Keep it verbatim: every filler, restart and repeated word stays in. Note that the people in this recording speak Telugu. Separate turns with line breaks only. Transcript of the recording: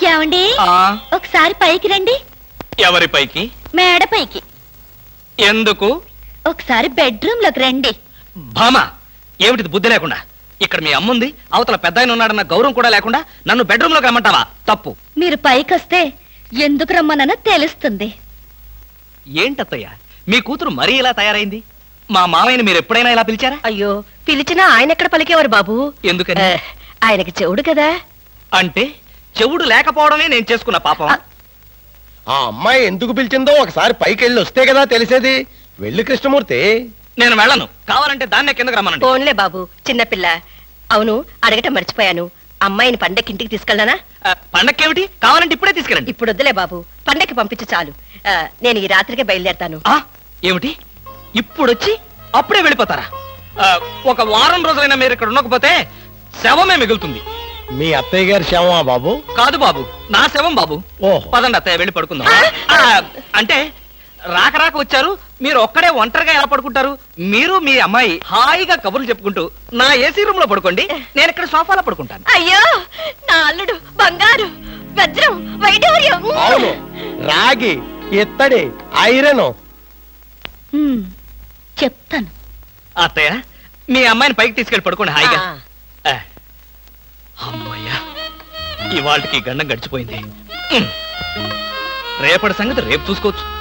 ఏమండి
ఆ
ఒకసారి పైకి రండి.
ఎవరి పైకి?
మేడ పైకి.
ఎందుకు?
ఒకసారి బెడ్రూమ్ లోకి రండి.
భామా, ఏమిటిది బుద్ధి లేకుండా? ఇక్కడ మీ అమ్ముంది, అవతల పెద్ద ఆయన ఉన్నాడన్న గౌరవం కూడా లేకుండా నన్ను బెడ్రూమ్ లోకి రమ్మంటావా? తప్పు.
మీరు పైకి వస్తే ఎందుకు రమ్మనో తెలుస్తుంది.
ఏంటత్తయ్య, మీ కూతురు మరీ ఇలా తయారైంది? మా మామయ్యని మీరు ఎప్పుడైనా ఇలా పిలిచారా?
అయ్యో, పిలిచినా ఆయన ఎక్కడ పలికేవారు బాబు?
ఎందుకని?
ఆ, ఆయనకి చెవుడు కదా.
అంటే చెవుడు లేకపోవడమే నేను చేసుకున్న పాపం.
ఆ అమ్మాయి ఎందుకు పిలిచిందో ఒకసారి పైకి వెళ్ళి వస్తే కదా తెలిసేది. వెళ్ళి కృష్ణమూర్తి.
నేను వెళ్ళను. కావాలంటే దాన్నే కిందకి రమ్మనండి.
ఫోన్లే బాబు, చిన్నపిల్ల. అవును, అడగటం మర్చిపోయాను. అమ్మాయిని పండక్కి ఇంటికి తీసుకెళ్ళనా?
ఆ, పండక్కేమిటి? కావాలంటే ఇప్పుడే తీసుకెళ్ళండి.
ఇప్పుడు వద్దులే బాబు, పండక్కి పంపించు చాలు. ఆ, నేను ఈ రాత్రికే బయలుదేరతాను.
ఆ ఏమిటి? ఇప్పుడొచ్చి అప్పుడే వెళ్ళిపోతారా? ఆ, ఒక వారం రోజులైనా మీరు ఇక్కడ ఉండకపోతే శవమే మిగులుతుంది.
మీ అత్తయ్య గారి శవమా బాబు?
కాదు బాబు, నా శవం బాబు.
ఓహో.
పదండి అత్తయ్య, వెళ్ళి పడుకుందాం. ఆ, అంటే రాక రాక వచ్చారు, మీరు ఒక్కడే ఒంటరిగా ఎలా పడుకుంటారు? మీరు మీ అమ్మాయి హాయిగా కబుర్లు చెప్పుకుంటూ నా ఏసీ రూమ్ లో పడుకోండి, నేను ఇక్కడ సోఫాలో పడుకుంటాను.
అయ్యో, నా అల్లుడు బంగారు, వజ్రం, వైఢూర్యం.
అవును, రాగి, ఇత్తడి, ఐరన్.
హ్మ్, చెప్తాను.
అత్తయ్య, మీ అమ్మాయిని పైకి తీసుకెళ్ళి పడుకోండి హాయిగా.
ఆ.
ఆ, అమ్మయ్యా, ఇవాళకి గండం గడిచిపోయింది. ఉమ్. రేపటి సంగతి రేపు చూసుకోవచ్చు.